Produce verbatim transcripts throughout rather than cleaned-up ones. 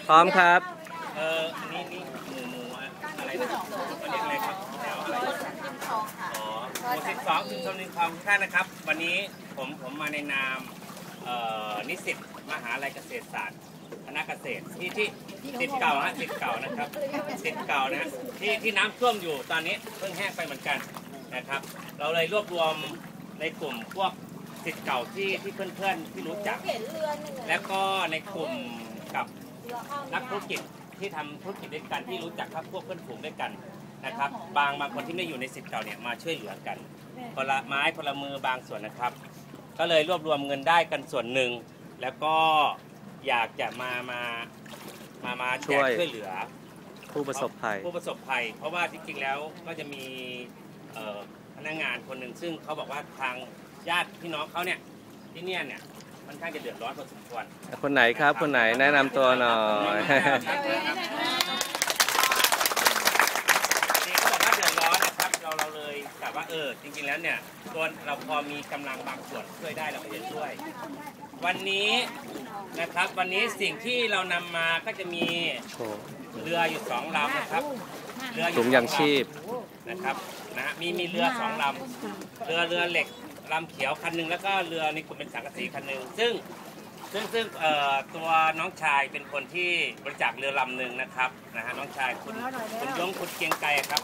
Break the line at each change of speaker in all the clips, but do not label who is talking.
พร้อมครับ
เอออันนี้นี่หมูหมูอะไรนะเขาเรียกอะไรครับแถวอะไรอ๋อหมู่สิบสองชุมชนริมคลองท่านนะครับวันนี้ผมผมมาในนามนิสิตมหาลัยเกษตรศาสตร์คณะเกษตรที่ที่ติดเก่าฮะติดเก่านะครับติดเก่านะที่ที่น้ำท่วมอยู่ตอนนี้เพิ่งแห้งไปเหมือนกันนะครับเราเลยรวบรวมในกลุ่มพวกติดเก่าที่ที่เพื่อนๆที่รู้จักแล้วก็ในกลุ่มกับนักธุรกิจที่ทำธุรกิจด้วยกันที่รู้จักครับพวกเพื่อนฝูงด้วยกันนะครับบางบางคนที่ไม่อยู่ในสิทธิ์เก่าเนี่ยมาช่วยเหลือกันคนละไม้คนละมือบางส่วนนะครับก็เลยรวบรวมเงินได้กันส่วนหนึ่งแล้วก็อยากจะมามามามาแจกช่วยเหลือ
ผู้ประสบภัย
ผู้ประสบภัยเพราะว่าจริงๆแล้วก็จะมีพนักงานคนหนึ่งซึ่งเขาบอกว่าทางญาติพี่น้องเขาเนี่ยที่เนี่ยเนี่ยค่อนข้างจะเดือดร้อนพอสมควร
คนไหนครับคนไหนแนะนำตัวหน่อย
นี่เขาบอกว่าเดือดร้อนนะครับเราเราเลยแต่ว่าเออจริงๆแล้วเนี่ยตัวเราพอมีกำลังบางส่วนช่วยได้เราก็จะช่วยวันนี้นะครับวันนี้สิ่งที่เรานำมาก็จะมีเรืออยู่สองลำนะครับ
เรือถุงยางชีพ
นะครับนะมีมีเรือสองลำเรือเรือเหล็กลำเขียวคันหนึ่งแล้วก็เรือในกลุ่มเป็นสังกะสีคันหนึ่งซึ่งซึ่งซึ่งตัวน้องชายเป็นคนที่บริจาคเรือลำหนึ่งนะครับนะฮะน้องชายคุณคุณยงคุณเกียงไกรครับ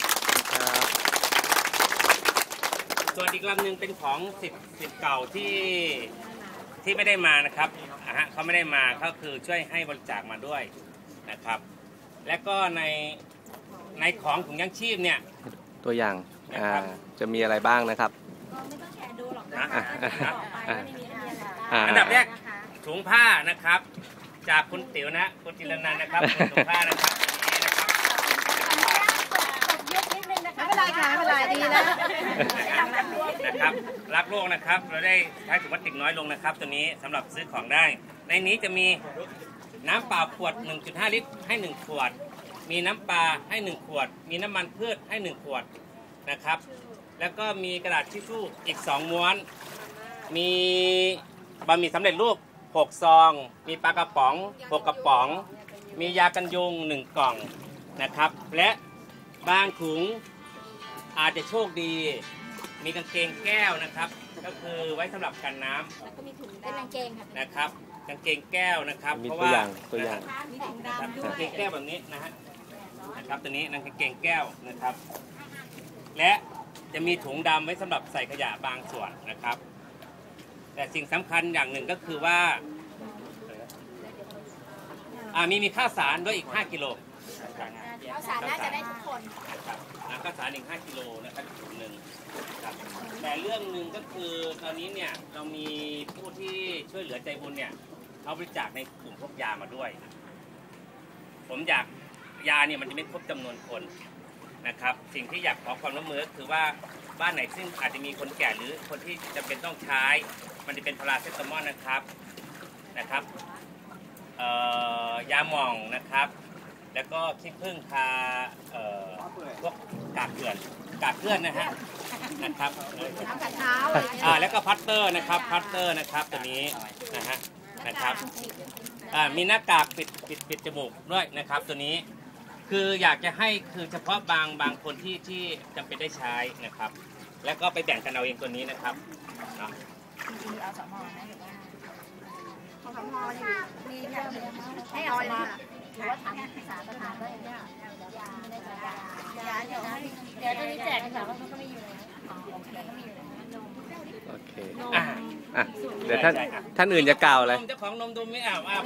ส่วนอีกลำหนึ่งเป็นของสิทธิ์สิทธิ์เก่าที่ที่ไม่ได้มานะครับนะฮะเขาไม่ได้มาเขาคือช่วยให้บริจาคมาด้วยนะครับและก็ในในของถุงยางชีพเนี่ย
ตัวอย่างจะมีอะไรบ้างนะครับ
อันดับแรกถุงผ้านะครับจากคุณติ๋วนะคุณจิรนันท์นะครับถุงผ้านะครับ
ไม่เป็นไรค่ะไม่เป็นไรดีแล้ว
นะครับรักโลกนะครับเราได้ใช้ถุงพลาสติกน้อยลงนะครับตัวนี้สำหรับซื้อของได้ในนี้จะมีน้ำเปล่าขวด หนึ่งจุดห้า ลิตรให้หนึ่งขวดมีน้ำปลาให้หนึ่งขวดมีน้ำมันพืชให้หนึ่งขวดนะครับแล้วก็มีกระดาษทิชชู่อีกสองม้วนมีบะหมี่สำเร็จรูปหกซองมีปลากระป๋องหกกระป๋องมียากันยุงหนึ่งกล่องนะครับและบางถุงอาจจะโชคดีมีกางเกงแก้วนะครับก็คือไว้สำหรับกันน้ำแล้วก็มีถุงเป็นกางเกงนะครับกางเกงแก้วนะครับเพราะว่า
ตัวอย่าง
มีถุงดำด้วยกางเกงแก้วแบบนี้นะฮะนะครับตัวนี้นั่นกางเกงแก้วนะครับและจะมีถุงดำไว้สำหรับใส่ขยะบางส่วนนะครับแต่สิ่งสำคัญอย่างหนึ่งก็คือว่าอ่ามีมีข้าวสารด้วยอีกห้ากิโล
ข้าวสารน่าจะได้ทุกคน
ครับข้าวสารอีกห้ากิโลนะครับถุงหนึ่งครับแต่เรื่องหนึ่งก็คือตอนนี้เนี่ยเรามีผู้ที่ช่วยเหลือใจบุญเนี่ยเขาบริจาคในกลุ่มพวกยามาด้วยผมอยากยาเนี่ยมันจะไม่ครบจำนวนคนนะครับสิ่งที่อยากขอความร่วมมือคือว่าบ้านไหนซึ่งอาจจะมีคนแก่หรือคนที่จำเป็นต้องใช้มันจะเป็นพาราเซตามอลนะครับนะครับยาหม่องนะครับแล้วก็ขี้ผึ้งทาพวกกากเกลื่อนกากเกลื่อนนะฮะนะครับอ่าแล้วก็พัตเตอร์นะครับพัตเตอร์นะครับตัวนี้นะฮะนะครับอ่ามีหน้ากากปิดปิดปิดจมูกด้วยนะครับตัวนี้คืออยากจะให้คือเฉพาะบางบางคนที่ที่จำเป็นได้ใช้นะครับแล้วก็ไปแบ่งกันเอาเองตัวนี้นะครับเนาะ
เอาสมอนะหรือว่าเอาสมอมีอย่างให้เอามาหรือว่าทำสารประทานด้วยเนี่ยยายาเดี๋ยวเดี๋ยวตอนนี้แจกกันแต่ว่ามันก็ไม่อยู่แล้วอ๋อโอเคก็มีอยู่แล้ว
โอเคอ่ะอ่ะเดี๋ยวท่านท่านอื่นจะกล่าวอะไร
เจ้าของนมดมไม่อาบอาบ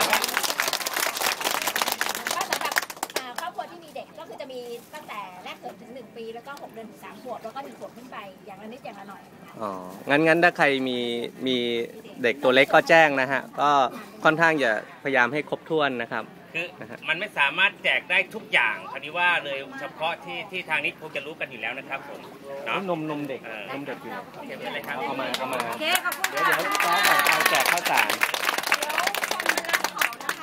ก็คือจะมีตั้งแต่แรกเกิดถึงหนึ่งปีแล้วก็หกเดือนถึงสามขวบแล้วก็หนึ่งขวบขึ้นไปอย่างละนิดอย่างละหน่อย
อ๋องั้นงั้นถ้าใครมีมีเด็กตัวเล็กก็แจ้งนะฮะก็ค่อนข้างจะพยายามให้ครบถ้วนนะครับ
คือมันไม่สามารถแจกได้ทุกอย่างคราวนี้ว่าเลยเฉพาะที่ที่ทางนี้คงจะรู้กันอยู่แล้วนะครับผม
เนาะนมนมเด็กนมเด็กอยู่
เก็บไว้เลยครับ
เอามาเอามา
โอเคขอบคุณ
เดี๋ยวเดี๋ยวซ้อมก่อนเอาแจกข้าวสาร